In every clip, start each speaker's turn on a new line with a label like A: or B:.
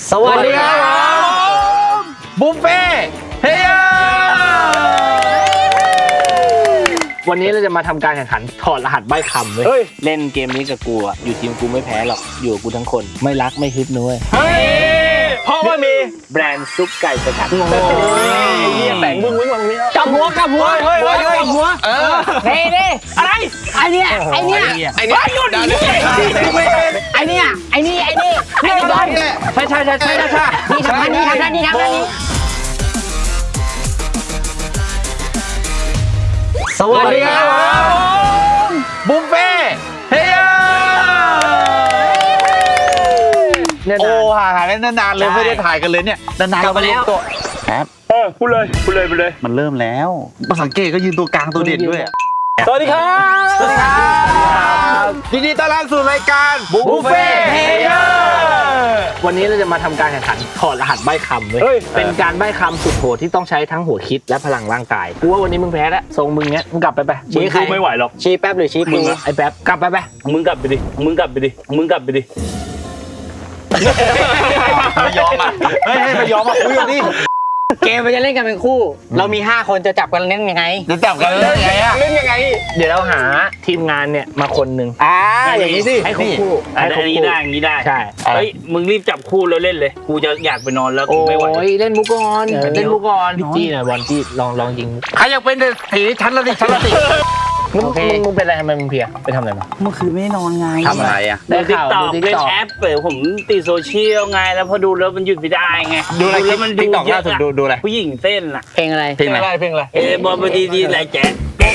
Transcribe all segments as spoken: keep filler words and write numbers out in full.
A: สวัสดีครับบุฟเฟ่เฮียวันนี้เราจะมาทำการแข่งขันถอดรหัสใบ้คำเว้ยเล่นเกมนี้กับกูอ่ะอยู่ทีมกูไม่แพ้หรอกอยู่กับกูทั้งคนไม่รักไม่ฮึบนุ้ยเฮ้ยเพราะว่ามีแบรนด์ซุปไก่สกัดโอ้ยเฮียแต่งบึ้งบึ้งแบบนี้กับหัวกับหัวเฮ้ยเฮ้ยกับหัวเออเฮ้ยนี่อะไรไอเนี้ยไอเนี้ยไอเนี้ยหยุดดิไอเนี้ยไอนี่ไอนี่ไอนี่บอลใช่ใช่ใช่ใช่ใช่นี่ทำนี่ทำนี่ทำนี่สวัสดีครับบุฟเฟ่เฮียโอ้ห่างหายกันนานๆเลยไม่ได้ถ่ายกันเลยเนี่ยนานๆมาแล้วแป๊บ
B: เออพูดเลยพูดเลยพูดเลย
A: มันเริ่มแล้วมาสังเกตก็ยืนตัวกลางตัวเด่นด้วย
B: สวัสดีครับ
A: สวัสดีครับยินดีต้อนรับสู่รายการบุฟเฟ่เฮียวันนี้เราจะมาทำการแข่งขันถอดรหัสใบ้คำเว้ยเป็นการใบ้คำสุดโหดที่ต้องใช้ทั้งหัวคิดและพลังร่างกายกูว่าวันนี้มึงแพ้แล้วทรงมึงเนี้ยมึงกลับไปไป
B: ชี้ใครไม่ไหวหรอก
A: ชี้แป๊บหรือชี้กูไอ้แป๊บกลับไปไป
B: มึงกลับไปดิมึงกลับไปดิมึงกลับไปดิ
A: ไม่ยอมอ่ะเฮ้ยไม่ยอมอ่ะคุยกันดิ
C: เกมมันจะเล่นกันเป็นคู่เรามีห้าคนจะจับกันเล่นยังไง
A: จะจับกันเล่นยังไงอะ
C: เล่นยังไง
A: เดี๋ยวเราหาทีมงานเนี่ยมาคนหนึ่ง
C: อ่าอย่างนี้สิ
A: ให้คู่คู่
B: อันนี้ได้อย่างนี้ได้
A: ใช่
B: เฮ้ยมึงรีบจับคู่แล้วเล่นเลยกูจะอยากไปนอนแล้วกูไม่ไหว
A: โอ้ยเล่นมุกก่อนเล่นมุกก่อนจี้หน่อยบอลจี้ลองลองยิงใครอยากเป็นสีชั้นละสิชั้นละสิมึงมึงเป็นอะไรทำไมมึงเพียไปทำอะไรมา
C: เมื่อคืนไม่นอนไง
A: ทำอะไรอ่ะ
B: ดูติ๊กต็อกเล่นแอปเปิดผมติดโซเชียลไงแล้วพอดูแล้วมันหยุดไม่ได้ไง
A: ดูอะไรแล้วมันดูเยอะดูดูอะไร
B: ผู้หญิงเต้นล่ะ
C: เพลงอะไร
A: เพลงอะไรเพลงอะไร
B: เออบอลพอดีดีไรแจ๊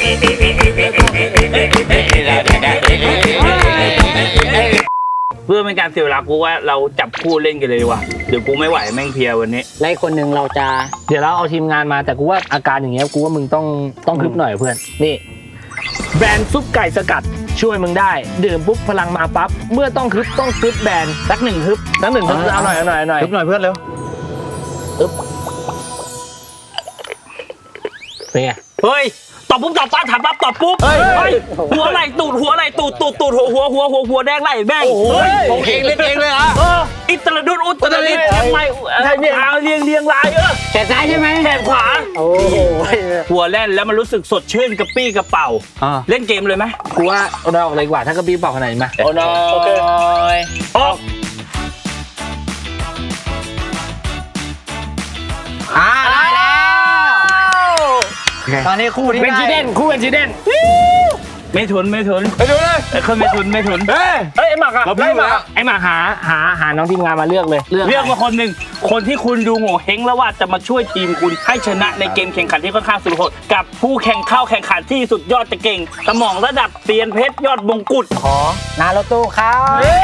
B: เพื่อเป็นการเสียเวลากูว่าเราจับคู่เล่นกันเลยดีกว่าเดี๋ยวกูไม่ไหวแม่งเพียวันนี้
C: ไล่คนหนึ่งเราจะ
A: เดี๋ยวเราเอาทีมงานมาแต่กูว่าอาการอย่างเงี้ยกูว่ามึงต้องต้องฮึบหน่อยเพื่อนนี่แบรนด์ซุปไก่สกัดช่วยมึงได้ดื่มปุ๊บพลังมาปั๊บเมื่อต้องฮึบต้องฮึบแบรนด์สักหนึ่งฮึบสักหนึ่งฮึบเอาหน่อยเอาหน่อยเอาหน่อยฮึบหน่อยเพื่อนเร็วฮึบเป็นไง
B: เฮ้ยตอบปุ๊บตอบปั๊บถามปั๊บตอบปุ๊บเฮ้ยหัวไหลตูดหัวไหลตูดตูดตูดหัวหัวหัวหัวหัวแดงไหลแม่ง
A: โอ้ยผมเองเล่นเองเลยอ่ะ
B: อิตาลีดุนอุตรดิตถ์ทำไมทางเรียงเรียงลายเออ
C: แขนซ้ายใช่ไหม
B: แขนขวา
C: โอ้โห
B: หัวแล่นแล้วมันรู้สึกสดชื่นกระปี้กระเป๋าเล่นเกมเลยไหม
A: กูว่าเราออกเลยกว่าถ้ากระปี้กระเป๋าขนาดนี้มา
B: โอ้น้อยออก
C: อ่าได้แล้วตอนนี้คู่ที่
A: เป็นจีเดนคู่เป็นจีเดน
B: ไม่ทุนไม่ทุน
A: ไม่ทุนเลย
B: ไอ้คนไม่ทุนไม่ทุน
A: เฮ้ย
B: ไอ้หมักอะ
A: ไอ้หมักไอ้หมักหาหาหาน้องทีมงานมาเลือกเลย
B: เลือกมาคนหนึ่งคนที่คุณดูโง่เฮงแล้วว่าจะมาช่วยทีมคุณให้ชนะในเกมแข่งขันที่ค่อนข้างสุดโหดกับผู้แข่งเข้าแข่งขันที่สุดยอดจะเก่งสมองระดับเตียนเพชรยอดมงกุฎ
C: ขอนาโรโต้ครับ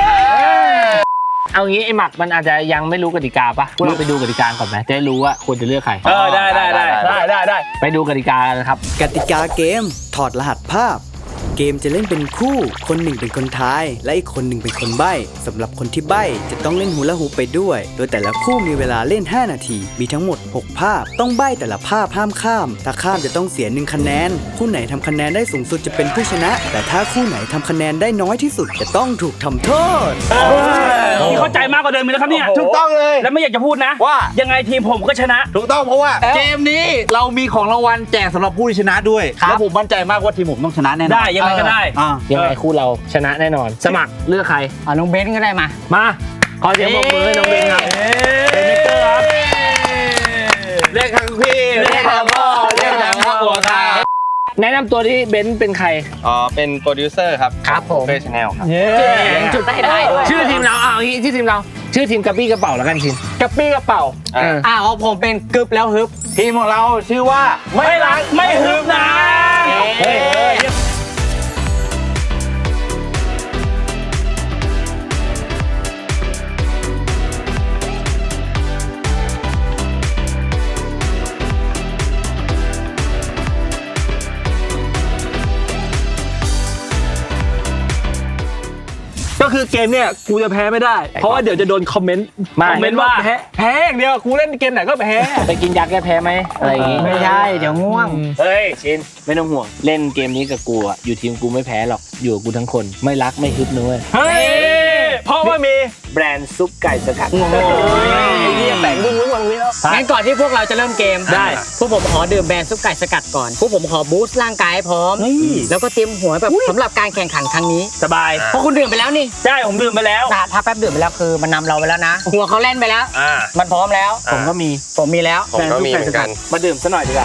A: เอางี้ไอ้หมักมันอาจจะยังไม่รู้กติกาปะพวกเราไปดูกติกาก่อนไหมจะได้รู้ว่าควรจะเลือกใคร
B: เออได้ได้ได้ได้ได้ได้
A: ไปดูกติกากันครับ
D: กติกาเกมถอดรหัสภาพเกมจะเล่นเป็นคู่คนหนึ่งเป็นคนทายและอีกคนหนึ่งเป็นคนใบ้สำหรับคนที่ใบ้จะต้องเล่นฮูลาฮูปไปด้วยโดยแต่ละคู่มีเวลาเล่นห้านาทีมีทั้งหมดหกภาพต้องใบ้แต่ละภาพห้ามข้ามถ้าข้ามจะต้องเสียหนึ่งคะแนนคู่ไหนทำคะแนนได้สูงสุดจะเป็นผู้ชนะแต่ถ้าคู่ไหนทำคะแนนได้น้อยที่สุดจะต้องถูกทำโทษ
B: นี่เข้าใจมากกว่าเดิมเลยครับเนี่ย
A: ถูกต้องเลย
B: แล้วไม่อยากจะพูดนะว่ายังไงทีมผมก็ชนะ
A: ถูกต้องเพราะว่าเกมนี้เรามีของรางวัลแจกสำหรับผู้ที่ชนะด้วยแล้วผมมั่นใจมากว่าทีมผมต้องชนะแน่นอน
B: ได้ยังไงก็ได้
A: ยังไงคู่เราชนะแน่นอนสมัครเลือกใคร
C: อ่ะน้องเบนก็ได้มา
A: มาขอเสียงปรบมือให้น้องเบนครับเป็นมิเตอร์ครับเรียกทั้งพี่เรียกทั้งพ่อเรียกทั้งพ่อหัวค่ะแนะนำตัวที่เบนเป็นใคร
E: อ๋อเป็นโปรดิวเซอร์ครับ
C: ครับผม
E: เฟซชาแนลครับ
C: จุดใต้ได้ด้วย
A: ชื่อทีมเราเอาอย่างนี้ชื่อทีมเราชื่อทีมกระปี้กระเป๋าแล้วกันทีม
C: กระปี้กระเป๋าอ่าของผมเป็นกึบแล้วฮึบ
A: ทีมของเราชื่อว่า
B: ไม่รักไม่ฮึบนะเฮ้ยก็คือเกมเนี่ยกูจะแพ้ไม่ได้เพราะว่าเดี๋ยวจะโดนคอมเมนต์คอมเมนต์ว่าแพ้แพ้อย่างเดียวกูเล่นเกมไหนก็แพ้
A: ไปกินยาแก้แพ้ไหมอะไรอย่างงี้
C: ไม่ใช่เดี๋ยวง่วง
A: เฮ้ยชินไม่ต้องห่วงเล่นเกมนี้กับกูอ่ะอยู่ทีมกูไม่แพ้หรอกอยู่กับกูทั้งคนไม่รักไม่ฮึบนุ้ย
B: เฮ้ยเพราะราะว่ามี
A: แบรนด์ซุปไก่สกัด
B: โอ้ยเหี้ยแต่งดึงไว้วางไว้แล้ว
C: งั้นก่อนที่พวกเราจะเริ่มเกม
B: ได้
C: พวกผมขอดื่มแบรนด์ซุปไก่สกัดก่อนพวกผมขอบูสต์ร่างกายให้พร้อม
B: นี่
C: แล้วก็เตรียมหัวแบบสำหรับการแข่งขันครั้งนี้
B: สบาย
C: เพราะคุณดื่มไปแล้วนี่
B: ใช่ผมดื่มไปแล้ว
C: ถ้าถ้าแป๊บดื่มไปแล้วคือมันนำเราไปแล้วนะ หัวเขาเล่นไปแล้ว
E: อ่า
C: มันพร้อมแล้ว
A: ผมก็มี
C: ผมมีแล้ว
E: ผมก็มีเหมือนกัน
A: มาดื่มซะหน่อยดีกว่า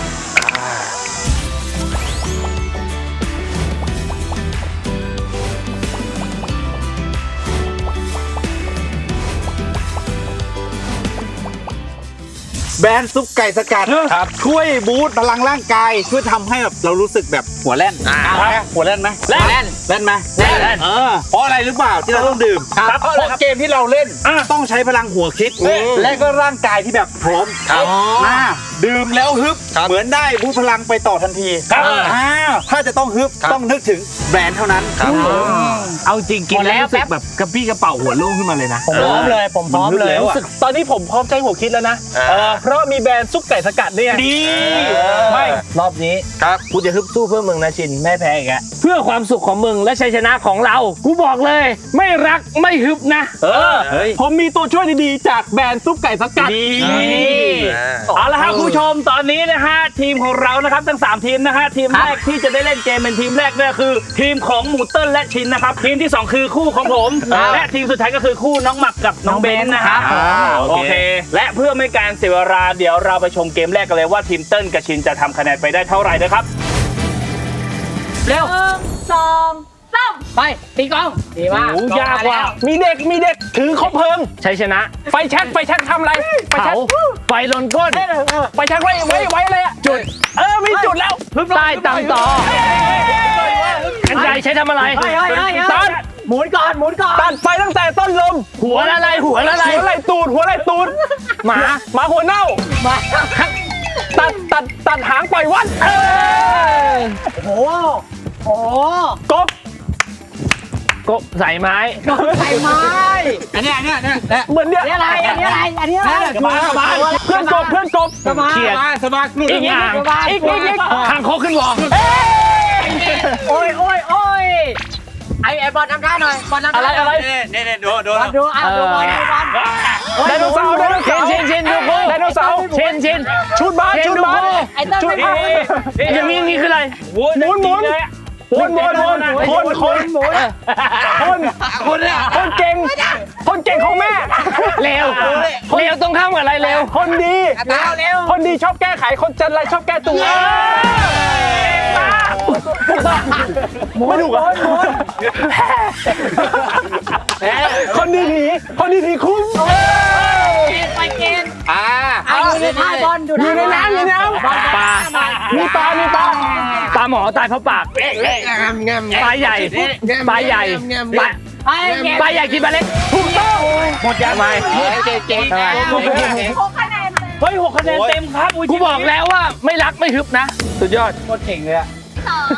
F: แบรนด์ซุปไก่สกัดครับช่วยบูสต์พลังร่างกายช่วยทำให้แบบเรารู้สึกแบบหัวแล่น
E: อ่า
F: เอาไหมหัวแล่นไหม
C: แล่น
F: แล่นไหม
C: แล่นแล่น
F: เออเพราะอะไรหรือเปล่าที่เราต้องดื่ม
B: ครับ
F: เพราะเกมที่เราเล่น
B: อ่ะ
F: ต้องใช้พลังหัวคิด และก็ร่างกายที่แบบพร้อม
E: ครับ
F: อ่าดื่มแล้วฮึบ
E: ครับ
F: เหมือนได้บูสต์พลังไปต่อทันที
B: ครับ
F: อ่าถ้าจะต้องฮึบ
E: ครับ
F: ต้องนึกถึงแบรนด์เท่านั้น
E: ครับ
A: เอาจริงกิน
C: หมดแล้
A: แล้ว
C: ว
A: รู้สึกแบบกระปี้กระเป๋าหัวโล่งขึ้นมาเลยนะ
C: ผมพร้อมเลยผมพร้อมเลย
F: แล้วอะ
B: ตอนนี้ผมพร้อมใจหัวคิดแล้วนะ
E: อ่า
B: เออเพราะมีแบรนด์ซุปไก่สกัดเนี่ยดี
A: ไม่รอบนี้
E: ครับ
A: กูจะฮึบสู้เพื่อมึงนะชินแม่แพ้อีกแล้วเพื่อความสุขของมึงและชัยชนะของเรา กูบอกเลย ไม่รักไม่ฮึบนะ
B: เออ
F: เฮ้ย
B: ผมมีตัวช่วยดีๆ จากแบรนด์ซุปไก่สกัด
A: ดี
E: อ่า
B: เอาละครับคุณผู้ชมตอนนี้นะฮะทีมของเรานะครับทั้งสามทีมนะฮะทีมแรกที่จะได้เล่นเกมเป็นทีมแรกเนี่ยคือ ทีมของหมูเติ้ลและชินนะครับทีมที่สองคือคู่ของผม และทีมสุดท้ายก็คือคู่น้องหมักกับน้องเบนซ์นะครับ
F: อ่า
B: โอเค และเพื่อไม่การเสียเวลาเดี๋ยวเราไปชมเกมแรกกันเลยว่าทีมเติ้ลกับชินจะทำคะแนนไปได้เท่าไหร่นะครับ
C: เร็วสองสามไปตีกลองดีมาก
B: โอ้ยากว่ะมีเด็กมีเด็กถือคบเพลิง
A: ชัยชนะ
B: ไฟแช็กไฟแช็กทำอะไรไฟแช็
A: เผาก ไฟลนก้น
B: ไฟแช็กไว้ไว้ไว้เลยอะจุดเออมีจุดแล้ว
A: ใต้ตำต่อกันไกรใช้ทำอะไร
C: เฮ้ยเฮ้ยเฮ้ย
B: ตัด
C: หมุนก่อนหมุนก่อน
B: ตัดไฟตั้งแต่ต้นลม
A: หัวอะไรหัวอะไร
B: หัวไหล่ตูดหัวไหล่ตูด
A: หมา
B: หมาหัวเน่า
C: มา
B: ตัดตัดตัดหางปล่อยวัดเออ
C: โอ้โหโอ้โห
B: กบ
A: กบใส่ไม้
C: ไข่ไม้อันนี้อันนี้อันนี้
B: เหมือนเนี่ย
C: อันนี้อะไรอันนี้อะไรอันนี้อะไร
B: สบายสบายเพื่อนกบเพื่อนกบ
C: สบาย
A: เขียด
F: สบายนู่น
A: อีกอย่าง
B: อีกอีกอีก
A: คางคกขึ้นวอ
C: โอ้ยโอ้ยโอ้ยไอไอบอลทำท่าหน่อยบอลทำท่า
B: อะไรอะไร
F: นี่นี่ดูดู
C: บอลดูอ่ะดูบอลดูบอล
B: ไดโนเสาร์ไดโน
A: เช
B: เสาน ร์
A: เชนเชนดูกู
B: ไดโนเสาร์
A: เชนเชน
B: ชุดบาส
A: เชน
B: ชุด
A: ดู
B: บาส
A: กู
C: ไอเต้น
B: ชุด
C: ไม่
B: บา
C: เอา
B: ส
A: อย่างนี้นี่คืออะไร
B: หมุนหมุนหมุนหมุนหมุนหมุนคนคนคนคนคนเก่งคนเก่งของแม่
A: เร็วเร็วตรงข้ามกับอะไรเร็ว
B: คนดี
C: เร็วเร็ว
B: คนดีชอบแก้ไขคนจันไรชอบแก้ตัวไม่ถูกอ่ะคนดีหนีคนดีหนีคุ้ม
C: ไปเกณฑ์
F: อ่า
C: อ่ะอยู่ในท่าบอล
B: อยู่ในน้ำอยู่ในน้ำ
A: ปลา
B: มีปลามีปลา
A: ปลาหมอตายเพราะปากปลาใหญ่ปลาใหญ่ปลา
C: ไปเกณฑ์
A: ปลาใหญ่กินปลาเล็ก
B: ถูกต้อง
A: หมดยังไง
F: เก่งเก่ง
B: เฮ้ยหกคะแนนเต็มครับย
A: กูบอกแล้วว่าไม่รักไม่ฮึบนะ สุดยอด
C: โคตรเก่งเลยอะ
G: สอง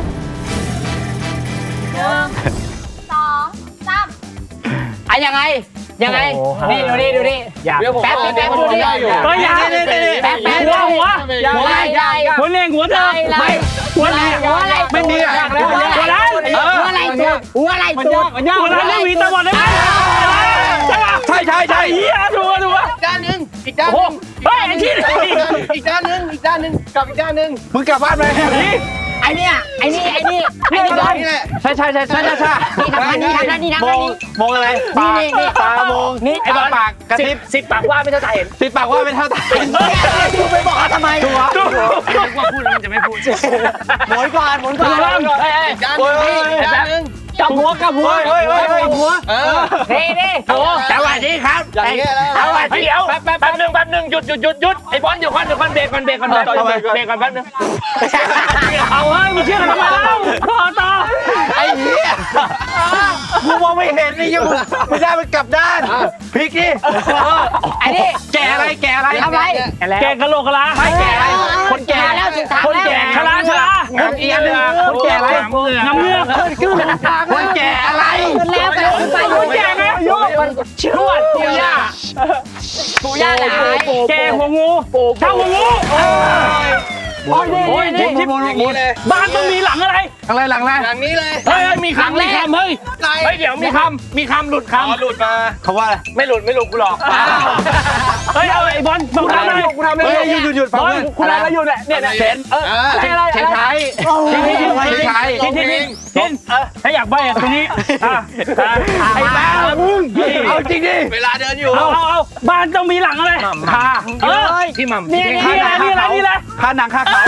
G: หนึ่งสองสาม
C: อ่ะยังไงยังไงนี่ดูนี่ดูนี่
A: อยาก
C: แป๊บแป๊บดูนี่
B: เฮ้ยอย่า
C: แป๊บแป๊บ
B: หัวหัว
C: หัวอะไรใหญ่
B: หัวเล่งหัวเธอไม่หัวอะไร
C: หัวอะไร
F: ไม่มีอ่ะ
B: หัวร้าน
C: หัวอะไรตัวหัวอะไรตัว
B: หัวร้านไม่มีตะวันเลยใช่ใช่ใช่เฮียดูดู
F: ด้านหนึ่งอีกด้าน
B: โอ้เฮ้ยไอ้ที่
F: อีกด้านหนึ่งอีกด้านหนึ่งกลับอีกด้านหนึ่งมึงกลับบ้านไป
C: ไอเนี่ยไอนี่ไอนี่ไอนี่บอล
F: นี่แหละ
A: ใช่ใช่ใช่ใช่ใช่ใช่
C: นี่ทำนั่นนี่ทำนั่นนี่ทำนั่นนี่
F: มองอะไร
C: นี่นี่นี่
F: ตามอง
C: นี่
F: ไอ้บอลปากกระซิบ
A: สิบปากว่าไม่เท่าตาเห็น
F: ติดปากว่าเป็นเท่าตา
C: คุณไปบอกเขาทำไมตัว
A: นึกว่าพูดแล้วมันจะไม่พูด
C: หมุนก่อนหมุนก่อน
F: ด้านหนึ่งด้านหนึ่ง
C: กับหัวกับหัว
F: เฮ้ยเฮ้ยเฮ้ย
C: กับหัว
F: เออ
C: นี่นี่
A: โอ้สวัสดีครับ
F: อย่างเงี้ยแล้ว
A: สวัสดีเดี๋ยวแป๊บแป๊บแป๊บนึงแป๊บนึงหยุดหยุดหยุดหยุดไอ้บอลเดี๋ยวก่อนเดี๋ยวก่อนเบรกก่อนเบรกก่อนเบรกก่อนเบรกก่อนแป๊บนึง
B: เอาเฮ้ยมึงเชื่อกันทำไมแล้วต่อต่อ
F: ไอ้เหี้ยกูมองไม่เห็นนี่ยังไม่ได้มันกลับด้านพลิกดิ
C: ไอ้นี่
F: แกอะไรแกอะไร
C: ทำไร
B: แกงกะโหลกกะลา
F: ไม่แกอะไรคนแก
C: แล้วถึงทาง
B: คน
C: แล้ว
B: แก่ชราชรา
F: อีกอันหนึ่งคนแกอะไร
B: น้ำเงือก
C: ขึ้นทาง
F: คนแกอะไร
C: ขึ้นแล้วไปขึ้นไป
B: คนแก่ไงอายุ
C: ชวดปู่ย่าปู่ย่าหลาย
B: แกหัวงูเท่าหัวงูโอ้ยโอ้ยนี่ที่บ้านต้องมีหลังอะไร
F: อะไรหลังอะไร
E: อย่างนี้เลย
B: เฮ้ยมีคำมีคำเฮ้ยเฮ้ยเดี๋ยวมีคำมีคำหลุดคำ
E: หลุดมา
F: เขาว่าอะไร
A: ไม่หลุดไม่หลุดกูหลอก
B: เฮ้ยเอาไอ้บอลกูทำอะไรกูทำอะไร
F: เฮ้ยหยุดหยุดหยุด
B: บอลกูทำอะไรอยู่เนี่ยเนี่ยเซนเอออะไรอะไร
F: เชนไทย
B: ทิ้งทิ้งทิ้ง
F: เชนไทย
B: ทิ้งทิ้งทิ้งเออถ้าอยากใบ้อะตรงนี้อ่ะไอ้บ้ามึง
F: เอาจริงดิ
E: เวลาเดินอยู่
B: เอาเอาเอาบ้านต้องมีหลังอะไร
F: คา
B: เออ
A: พี่หม่ำ
B: นี่นี่อะไรนี่อะไรนี่อะไร
F: คาหนังคาเขา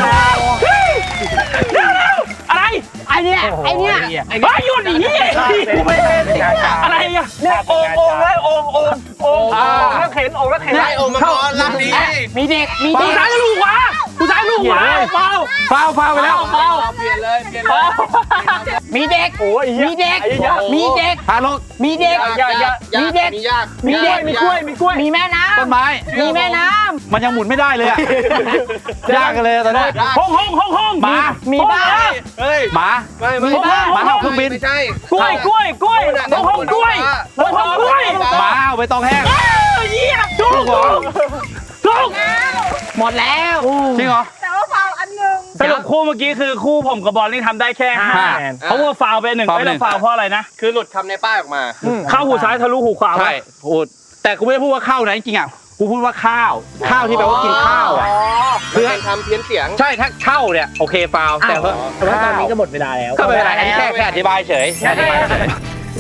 B: อะไร
C: ไอเนี้ยไอเนี้ย
B: ไอ้หยุดอย่างนี้อะไรอ่ะเนี่ยโอ่งโอ่งเลยโอ่งโอ่งโอ่งโอ่งแล้วเข็นโอ่งแล้วเข็น
E: ได้องค์มังกรลำนี้
C: มีเด็กมี
B: กู
C: เด็ก
B: ซ้ายลูกขวากูซ้ายลูกขวาเปล่า
F: ฟาวฟาวไปแล้ว
B: เปล่า
E: เปลี่ยนเลยเปลี่ยนเล
B: เปล่าย
C: มีเด็กมีเด็กมีเด็ก
F: พาลง
C: มีเด็ก
E: ยากยาก
C: มีเด็ก
E: มียาก
C: มีเด็ก
B: มีกล้วยมีกล้วย
C: มีแม่น้
F: ต้นไม้
C: ำมีแม่น้
F: มันยังหมุนไม่ได้เลยอะยากกันเลยตอนนี้
B: ห้องห้องห้องห้อง
F: หมา
C: ำมีบ้าน
E: เฮ้ย
F: หมา
E: ไม่ไม่
F: หมาเห่าเครื่องบิน
E: ไม่ใช่
B: กล้วยกล้วยกล้วยห้องห้องกล้วยห้องห้องกล้วย
F: หมาเห่าไปตองแห้ง
B: เออเยี่ยมถูกถูก
C: หมดแล้ว
F: จริงเหรอ
G: แต่ว่าฟาวอันหนึ่ง
B: สรุปคู่เมื่อกี้คือคู่ผมกับบอลนี่ทำได้แค่ห้าคะแนนเพราะว่าฟาวไปหนึ่ง
F: ฟาวไป
B: ไม่
F: หนึ่
B: ต้อง งฟาวเพราะอะไรนะ
E: คือหลุดคำในป้ายออกมา
B: เข้าหูซ้ายทะลุหูขวา
F: ใช่พูดแต่กูไม่ได้พูดว่าข้าวนะจริงๆอ่ะกูพูดว่าข้าว ข้าวที่แปลว่ากินข้าวอ่ะ
E: เพื่อทำเพี้ยนเสียง
F: ใช่ถ้าเข้าเนี่ยโอเคฟาวแต่ว่า
A: แต่ว่าตอนนี้ก็หมดเวลาแล้ว
F: ก็ไม่เป็นไรอันนี้แค่แค่อธิบายเฉยแค่อธิบายเฉย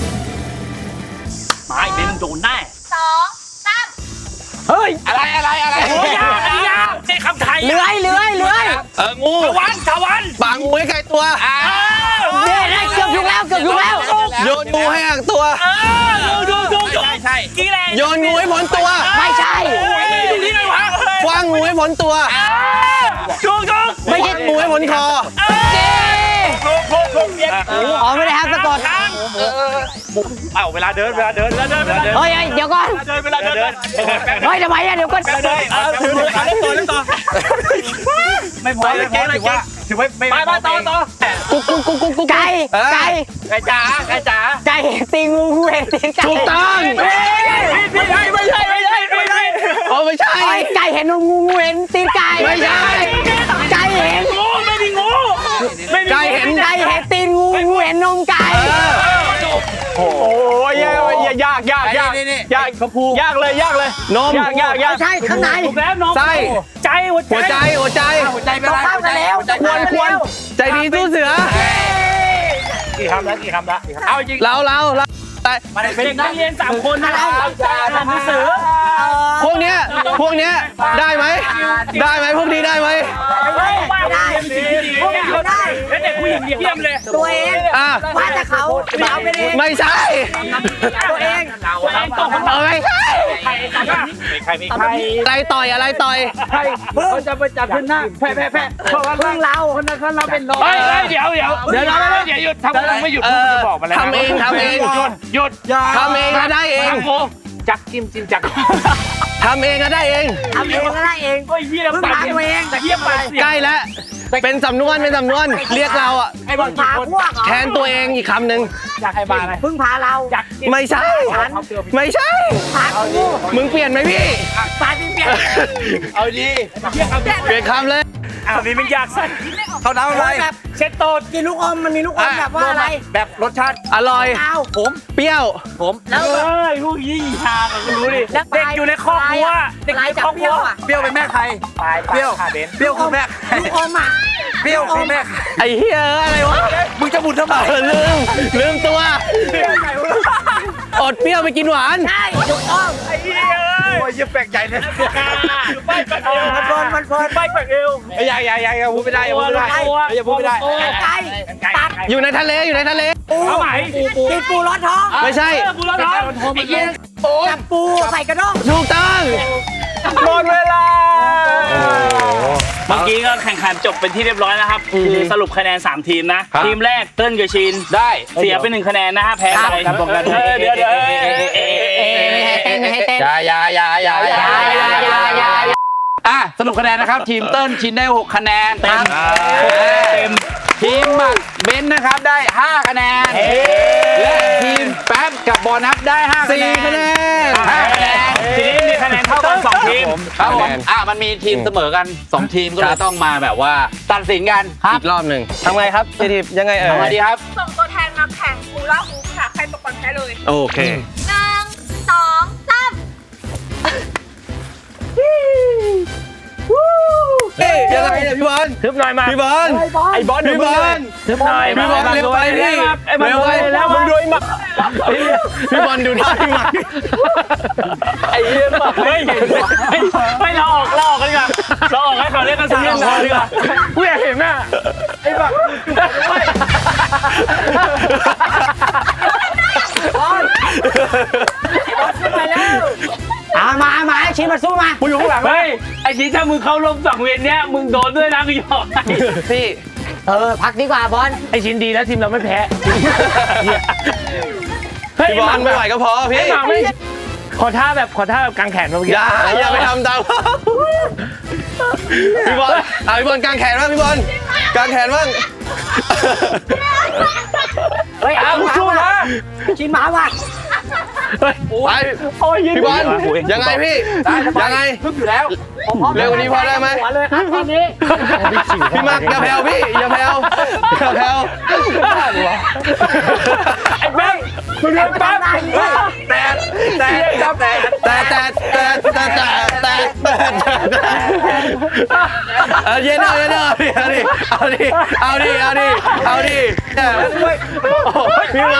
B: ไม้เบนโดนแน่
G: สองสาม
B: เฮ้ย
F: อะไรอะไรอะไร
B: โอ้ยยากยากใช่คำไทย
C: เลื้อยเลื้อยเลื้อย
E: เอองู
B: ตะวันตะวัน
E: บางงูให้ไกลตัว
C: เนี่ยได้เกือบถูกแล้วเกือบถูกแล้ว
E: โยนงูให้ห่างตัว
B: เออดูดูดูใช่ใช่กี่แรง
E: โยนงูให้พ้นตัว
C: ไม่ใช่
B: ดูนี่เลยวะ
E: คว้างงูให้พ้นตัว
B: ดูดู
E: ไม่ใช่งูให้พ้นคอ
B: โค้งโค้งโค้งเย็น
C: อ๋อไม่ได้ครับสะกด
F: เอ้าเวลาเดินเวลาเดิน
B: เวลาเดินเวลาเดิน
C: เฮ้ยเฮ้ยเดี๋ยวก่อน
B: เดินเวลาเดิน
C: เฮ้ยทำไมอะเดี๋ยวก่อน
B: เดินเออถือถือเล่นต่อเล่นต่อไม่พอไม่พอถือว่าถือว่าไม่ไปต่อต่อ
C: กุ๊กกุ๊กกุ๊กกุ๊กกุ๊กไก่ไก่
B: ไก่จ๋าไก่จ๋า
C: ไก่เห็นตีงูงูเห็นตีไก่
E: ถูกต้อง
B: ไม่ใช่ไม่ใช่ไม่ใช่ไม่ใช่
E: โอ้ไม่ใช่
C: ไอ้ไก่เห็นงูงูเห็นตีไก่
E: ไม่ใช่
C: ไก่เห็น
B: งูไม่มีงูไม่มี
E: ไก่เห็น
C: ไก่เห็นตีนงูงูเห็นนมไก่
F: โอ้ยยากยากยากยากยากเขาพูยากเลยยากเลย
E: นม
F: ยากยากยาก
C: ไม่ใช่ข้างใน
B: ถูกแล้วน้อง
E: ไส้
B: ใจหัว
E: หัวใจ
B: ใจ
E: หัวใจ
C: ต้องข้ามกันแล้ว
E: ควรควรใจดีสู้เสือ
F: กี่คำแล้วกี่คำแล้วเอาจริง
E: เราเราเราแต่
B: เป็นนักเรียนสามคนนะอ่านหนังสือ
E: พวกเนี้ยพวกเนี้ยได้ไหมได้ไหมพวกนี้ได้ไหม
B: ไม่ได้พวกนี้ได้แล้วเด็กผู้หญิงเยี่ยมเลย
C: ตัวเอง
E: อ่ะ
C: ว่าแต่เขาเอาไปเอง
E: ไม่ใช่
C: ตัวเอง
B: ตัวเองตก
E: เออไม่ใช่
B: ใครใคร
F: ใครมีใคร
E: อะไรต่อยอะไรต่อย
F: เขาจะไปจับขึ้นหน้าแพ้แพ้แพ้เพราะว่า
C: เพิ่งเรา
F: คนนั้นเขาเราเป็นน้อง
B: เฮ้ยเดี๋ยวเดี๋ยวเดี๋ยวเราเดี๋ยวหยุดทำอะไรไม่หยุด
E: เอ
B: พูด
E: อ
B: จะบอกมาแล้ว
E: ทำเองทำเอง
B: หยุดหยุด
E: ทำเองก็ได้เอง
B: จักจิ้มจิ้มจัก
E: ทำเองก็ได้เอง
C: ทำเองก็ได้เอง
B: โอ้ยเยี่ยมไปตัวเองแต่เยี่ยมไป
E: ใกล้แล้วเป็นสำนวนเป็นสำนวนเรียกเราอ่ะ
B: ไอ้บอล
C: พาพวกเหรอ
E: แทนตัวเองอีกคำหนึ่ง
B: อยากให้บาอะไร
C: เพิ่งพาเรา
B: จัก
E: ไม่ใช่ ไม่ใช่
C: พากู
E: มึงเปลี่ยนไหมพี่
C: พาที่เปลี่ยน
E: เอาดีเปลี่ยนคำเลย
B: อ้าวนี่มันยากสั้น
F: เขาน้ำอะไร
C: แบบ
B: เช็ดโต๊ด
C: กินลูกอมมันมีลูกอมแบบว่าอะไร
F: แบบรสชาติ
E: อร่อย
C: เอา
F: ผม
E: เปรี้ยว
F: ผม
C: แล้ว
B: เฮ้ยลูกยี่ทางก็รู้ดิ
C: แล้ว
B: เด็กอยู่ในครอบครัวเด็ก
C: ลาย
B: ใน
C: จาก
B: ครอบ
C: เป
B: ครั
C: รี้
B: ว
C: ยวอ่ะ
F: เปรี้ยวเป็นแม่ใคร เปรี้ยวเปรี้ยวคือแม่
C: ลูกอมอ่ะ
F: เปรี้ยวคือแม่
E: ไอ้เหี้ยอะไรวะ
F: มึงจะบุญทำไม
E: เออลืมลืมตัวอดเปรี้ยวไปกินหวาน
C: ใช่ถูกต้อง
B: ไอ้เหี้ย
F: โอ้ยยิ่งแปลกใจเลย
B: ไปแปะเอว
C: มันเฟิร์นมันเฟิร์น
B: ไปแปะเอว
F: อย่าอย่าอย่าอย่าพูดไม่ได้อย่าพูดไม่ได้อย่าพูดไม่ได้
C: ไก่ตัด
E: อยู่ในทะเลอยู่ในทะเล
C: ปู
B: เอาไหม
C: กินปูรอดท้อง
E: ไม่ใช่
B: บุญแล้วท้อง
C: ไอ้เหี้ยจับปูใส่กระด้ง
E: ถูกต้อง
F: หมดเวลา
B: เมื่อกี้ก็แข่งขันจบเป็นที่เรียบร้อยนะครับคือสรุปคะแนนสามทีมนะ ทีมแรกเติ้ลกับชิน
F: ได้
B: เสียไปหนึ่งคะแนนนะฮะแพ้ไป
F: ครับผมครับ
B: เออเดี๋ยวเดี๋ยว
C: ไม่ให้เต้นไม่ให้เต้น
F: อย่าอย่าอย่าอย่าอย่า
C: อย่าอย่าอย่า
F: อ่ะสรุปคะแนนนะครับ ทีมเติ้ลชินได้หกคะแนน
B: เต็มเต็ม
F: ทีมหมักเบนซ์นะครับได้ห้าคะแนนและทีมแป๊บกับบอนับได้ห้าคะแนน
E: สี่คะแนน
F: ห้าคะแนน
B: ทีนี้มีคะแนนเท่ากันสองทีม
F: ครับผมอ่ะมันมีทีมเสมอกันสองทีมก็เลยต้องมาแบบว่าตัดสินกัน
E: อีกรอบหนึ่งทำไงครับเจทียังไงเอ่ย
F: ทำไงดีครับ
G: ส่งตัวแทนมาแข่งฮูลาฮูปค่ะ ใครตกก่อนแพ้เลย
E: โอเค
G: หนึ่งสองสาม
E: เฮ้ยยังไงเนี่ยพี่บอล
B: ทึบหน่อยมา
E: พี่บอล
B: ไอ้บอล
E: พี่บอล
B: ทึบหน่อย
E: พี่บอลเร็วไปพี่
B: ไอ้บอล
E: เร็วไป
B: แล้วมึงดูไอ้หมัก
E: พี่บอลดูท่าพี่มา
B: ไอ้เรื่องหมักไม่ไม่ไม่เราออกเราออกกันดีกว่าเราออกให้เขาเล่นกันสามคนดีกว่ากูอยากเห็นน่ะไอ้หมัก
C: เอามาเอามาไอ้ชิ้นมาสู้มา
B: กูอยู่ข้างหลังเฮ้ยไอ้ชี้ถ้ามึงเข้าร่วมสังเวียนเนี้ยมึงโดนด้วยนะกูยอม
E: พี่
C: เออพักดีกว่าบอล
B: ไอ้ชิ้นดีแล้วทีมเราไม่แพ้
E: พี่บอลไม่ไหวก็พอพี่
B: ไอ้หมักไม่ขอท่าแบบขอท่าแบบกางแขนเมื่อกี้
E: อย่าอย่าไปทำตามพี่บอลเอาพี่บอลกางแขนบ้างพี่บอลกางแขนบ้าง
C: เฮ้ยเอาสู้นะชิ้นหมาว่ะ
E: ไป
B: โอ้ย
E: พี่บอลยังไงพี่ยังไง
F: ทึบอยู่แล้ว
E: เร็วกว่านี้พอได้ไหม
C: หัวเลยครับตอนนี้
E: พี่มักอย่าแผ่วพี่อย่าแผ่วอย่าแผ่ว
B: ไอ้แม่งมึงเดินแป๊บ
F: แต่แต่ครับแต่
E: แต่แต่แต่แต่แต่แต่แต่เออเย็นเอาเย็นเอาดิเอาดิเอาดิเอาดิเอาดิพี่มา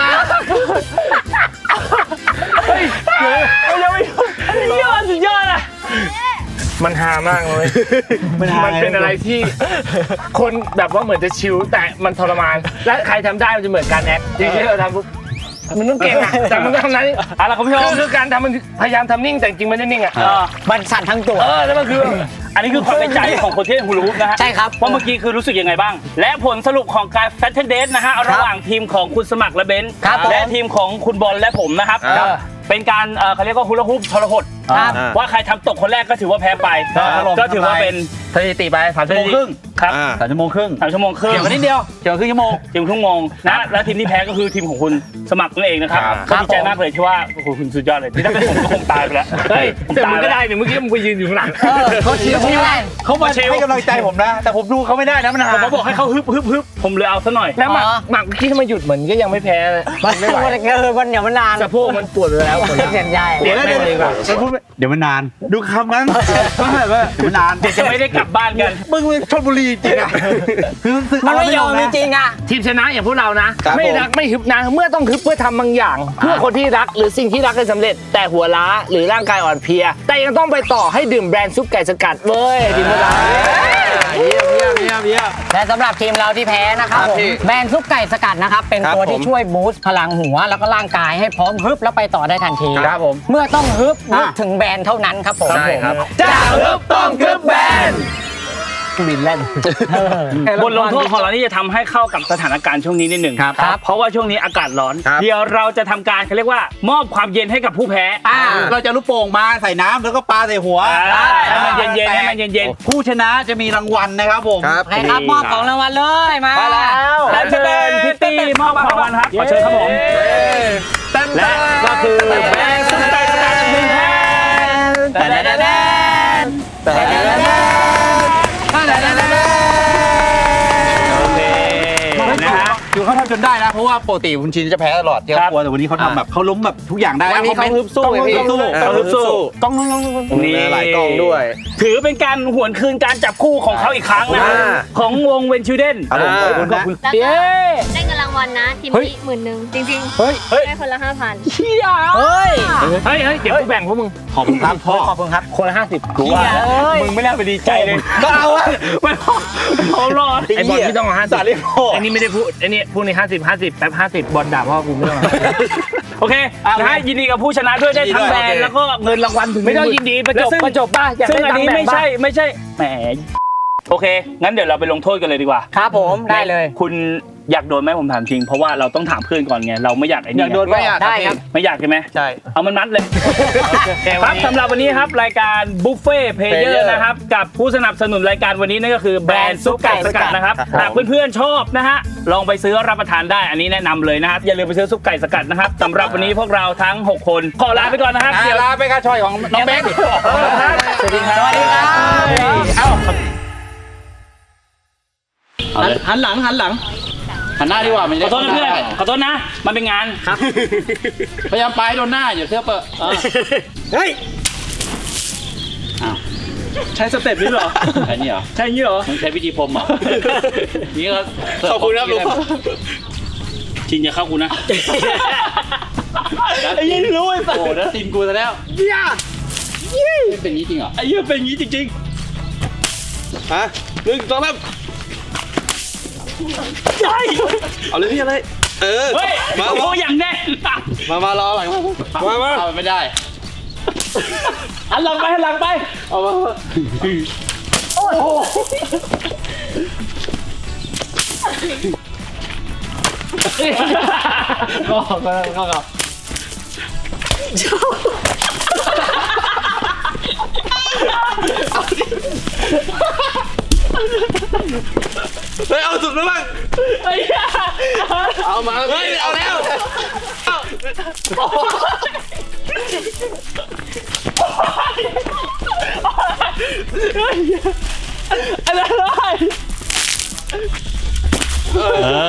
B: เฮ้ยยังไม่ยอดสุดยอดอ่ะมันฮามากเลยมันเป็นอะไรที่คนแบบว่าเหมือนจะชิลแต่มันทรมานและใครทำได้มันจะเหมือนการแอคจริงๆเราทำปุ๊บมันต้องเก่งอ่ะแต่มันต้องทำนั้นอะไรคุณผู้ชมคือการทำมันพยายามทำนิ่งแต่จริงมันไม่นิ่งอ่ะ
C: มันสั่นทั้งตัว
B: เออแล้วมันคืออันนี้คือความในใจของคนที่เล่นฮูลูปนะฮะ
C: ใช่ครับ
B: ว่าเมื่อกี้คือรู้สึกยังไงบ้าง และผลสรุปของการแฟชั่นเดทนะฮะระหว่างทีมของคุณสมัครและเบนซ์
C: ครับผม
B: และทีมของคุณบอลและผมนะครับ
E: ครับ
B: เป็นการเอ่อเขาเรียกว่าฮูลาฮูปทรหด
C: ครับ
B: ว่าใครทำตกคนแรกก็ถือว่าแพ้ไป ก็ถือว่าเป็น
F: สถิติไปสามชั่วโมงครึ่ง
B: ครับ
E: อ่า
F: สามชั่วโมงครึ่ง
B: สามชั่วโมงครึ่ง
F: เกี่ยวกันนิดเดียวเกี่ยวกับครึ่งชั่วโมง
B: ทีมครึ่งโมงนะและทีมที่แพ้ก็คือทีมของคุณสมัครนั่นเองนะครับ
F: ครับ
B: ก็ดีใจมากเลยที่ว่าโอ้โหคุณสุดยอดเลยที่ถ้าเป็นผมก็คงตายไปแล้วเฮ้ยผมตายก็ได้เนี่ยเมื่อกี้มึงไปยืนอยู่ข้างหลัง
C: เออเขาชิวชิว
F: เขามาให้กำลังใจผมนะ แต่ผมดูเขาไม่ได้นะมันหา
B: ผมบอกให้เขาฮึบฮึบฮึบผมเลยเอาซะหน่อย
C: แล้วหมัก
A: หมักคิดมาหยุดเหมือนก็ยังไม่แพ้เลย
C: มันไม่ไหวเออมันเดี๋ยวมันนาน
A: สะโพกมันปวดไปแล้ว
C: เสียใจ
F: เดี๋ยวนะเดี๋ยวนะมันพูดไม่เดี๋ยวมันนาน ดูคำนั้นว่าแบบว่าเดี๋ยวมันนาน
B: เดี๋ยวจะไม่ได้กลับบ้านกัน
F: มึงเป็นชลบุรีจริงอ่ะคือรู้สึก
C: มันไม่ยอมจริงๆอ่ะ
A: ทีมชนะอย่างพวกเรานะ
E: ครับ
A: ไม่
E: ผม
A: รักไม่ฮึบนะเมื่อต้องฮึบเพื่อทำบางอย่าง เพื่อคนที่รักหรือสิ่งที่รักให้สำเร็จ แต่หัวล้าหรือร่างกายอ่อนเพลีย แต่ยังต้องไปต่อให้ดื่มแบรนด์ซุปไก่สกัดเว้ยทีมพวกเรา
F: เยี่ยมเยี่ยมเยี่ยมเยี่ยม
C: และสำหรับทีมเราที่แพ้นะครับ
E: ครับ
C: ผม
E: พี่
C: แบรนด์ซุปไก่สกัดนะครับ เป็น
E: ครับ
C: ตัวที่
E: ผม
C: ช่วยบูสต์พลังหัวแล้วก็ร่างกายให้พร้อมฮึบแล้วไปต่อได้ทันที
A: ครับผม
C: เมื่อต้องฮึบนึก
F: อ่ะ
C: ถึงแบรนด์เท่านั้นครับผม
E: ใช่ครับ
A: จะฮึบต้องฮึบแบรนด์
C: บินเล่น
B: บทลงโทษของเรานี่จะทำให้เข้ากับสถานการณ์ช่วงนี้นิดหนึ่ง
F: ครับ
B: ครับ เพราะว่าช่วงนี้อากาศร้อน
E: ครับ
B: เดี๋ยวเราจะทำการเขาเรียกว่ามอบความเย็นให้กับผู้แพ้
C: อ่า
F: เราจะลูกโป่งมาใส่น้ำแล้วก็ปาใส่หัว
B: อ่าให้มันเย็นๆให้มันเย็น
F: ผู้ชนะจะมีรางวัลนะครับผม
E: ครับ
C: ใครครับมอบของรางวัลเลยมา
A: มาแล้ว
B: ๆและเชิญพิตตี้มอบของรางวัลครับขอเชิญครับผม และก็คือแบงค์ซุปไก่สกัดหนึ่งแผ่นแต่แต่แต่แต่โอเคนะฮะ
F: คือเขาทำจนได้นะเพราะว่าปกติคุณชินจะแพ้ตลอดที่
B: ครั
F: เขา
B: บ
F: กลัวแต่วันนี้เขาทำแบบเขาล้มแบบทุกอย่างได้
E: วันนี้เขาฮึบสู้
F: ต้อง
E: ไงพี่
F: ฮึบสู้
B: ต้องฮึบสู้
F: ต้องต้องต้อง
B: นี่
E: หลายกล้องด้วย
B: ถือเป็นการหวนคืนการจับคู่ของเขาอีกครั้งนะฮะ
E: อ่า
B: ของวงเวนชิวเดน
F: ครับผมขอบคุณนะ
G: แล้วก็ได้เงินรางวัลนะ ทีมนี้หมื่นหนึ่งจริงๆ
A: เฮ้ย
G: ได้คนละห้าพัน
B: เชี่ย
C: เฮ้ย
B: เฮ้ยเฮ้ยเดี๋ยวกูแบ่งพวกมึง
F: ขอบคุณครับพ่อ
C: ขอบคุณครับ
A: คนละห้าสิบ
B: กูว่า
C: เฮ้ย
B: มึงไม่น่าไปดีใจเลย
F: ก็เอาอะ
B: ไม่พอเขารอด
A: ไอ้บอลที่ต้องเอาห้าสิบ
F: สาลีพ่อ
A: ไอ้นี่ไม่ได้พูดไอ้นี่พูดในห้าสิบห้าสิบแป๊บห้าสิบบอลด่าพ่อกูไม่ต้อง
B: โอเคนะฮะยินดีกับผู้ชนะด้วยได้ทั้งแบรนด์แล้วก็เงินรางวัลถึง
A: ไม่ต้องยินดีประจบ
B: และซึ่ง
A: ประจบป่ะอยาก
B: ซึ่ง
A: ได้
B: อัน
A: ตัง
B: นี้
A: ค์แบ่ง
B: ไม่
A: ป่ะ
B: ใช่ไม่ใช่แหมโอเค งั้นเดี๋ยวเราไปลงโทษกันเลยดีกว่า
C: ครับผมได้เลย
B: คุณอยากโดนไหมผมถามจริง เพราะว่าเราต้องถามเพื่อนก่อนไงเราไม่อยากไอ้นี่
F: อยากโดน
B: ไง
F: ไม่อยาก
C: ได้ครับ
B: ไม่อยากใช่ไหม
E: ใช่
B: เอามันมัดเลยครับสำหรับวันนี้ครับรายการบุฟเฟ่เพลเยอ
E: Player
B: ร์นะครับกับผู้สนับสนุนรายการวันนี้นั่นก็คือแบรนด์ซุปไก่สกัดนะครับ
E: ครับผม
B: หากเพื่อนๆชอบนะฮะลองไปซื้อรับประทานได้อันนี้แนะนำเลยนะครับอย่าลืมไปซื้อซุปไก่สกัดนะครับสำหรับวันนี้พวกเราทั้งหกคนขอลาไปก่อนนะครับ
F: อ่ะ
B: เดี๋ยว
F: ลาไปค่ะชอยของน้องเบค
A: สวัสดีครับ
C: สวัสดีครับ
F: เอ้า
E: หันหันหลังหันหลังหันหน้าดีกว่ามัน
B: ขอโทษนะเพื่อนขอโทษนะมันเป็นงานครับ
E: พยายามไปโดนหน้าอย่าเสื้อเปอะ
F: เฮ้ย
B: ใช้สเต็ปนี้เหรอ
E: อันนี้เหรอ
B: ใช่อย่างนี้เหรอ
E: มึงใช้วิธีพรมเหรอนี่ก็
F: ขอบคุณครับลุง
B: ชินอย่าเข้ากูนะไอ้ยี่รู้ไอ้สัส
E: โอ้แล้วทีมกูซะแล้วไม่เป็นอย่างนี้จริงเหรอ
B: ไอ้ยี่เป็นอย่างนี้จริง
F: ฮะหนึ่งสองสาม
B: ๆใช่
F: เอาเลยพี่อะไรเออ
B: เฮ้ย
F: มา
B: โอ้
F: มา
B: อย่างแน่น
F: มามารอหลังมามา
E: เอาไม่ได้
B: หันหลังไปหันหลังไป
F: เอามา
A: ก็ก็ก็ก็
F: เฮ้ยเอาสุดแล้วบ้าง
B: ไอ้เหี้ย
F: เอามาเฮ้ยเอาแล้ว
B: อะไร